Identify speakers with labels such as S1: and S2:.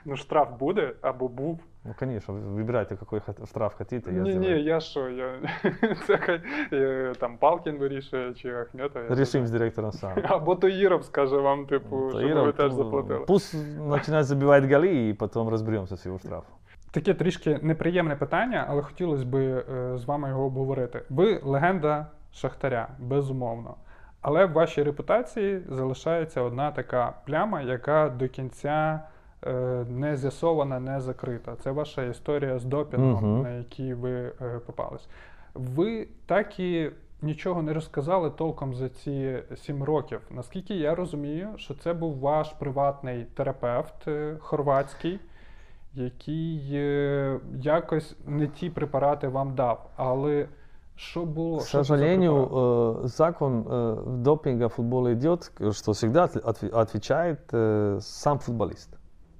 S1: Ну, штраф буде або був.
S2: Ну, конечно, выбирайте, какой штраф хотите, я
S1: Ні,
S2: сделаю.
S1: я що, це хай там Палкін вирішує чи Ахметов.
S2: Решим с директором сам.
S1: Або Таїров скаже вам, типу, щоб
S2: Таиров,
S1: ви теж заплатили.
S2: пусть начинает забивать голы, и потом разберемся с его штрафом.
S1: Таке трішки неприємне питання, але хотілося б з вами його обговорити. Ви легенда Шахтаря, безумовно. Але в вашій репутації залишається одна така пляма, яка до кінця не з'ясована, не закрита. Це ваша історія з допінгом, на якій ви попались. Ви так і нічого не розказали толком за ці 7 років. Наскільки я розумію, що це був ваш приватний терапевт хорватський, який якось не ті препарати вам дав. Але що було?
S2: К сожалению, закон допинга в футболе идет, что всегда отвечает сам футболист.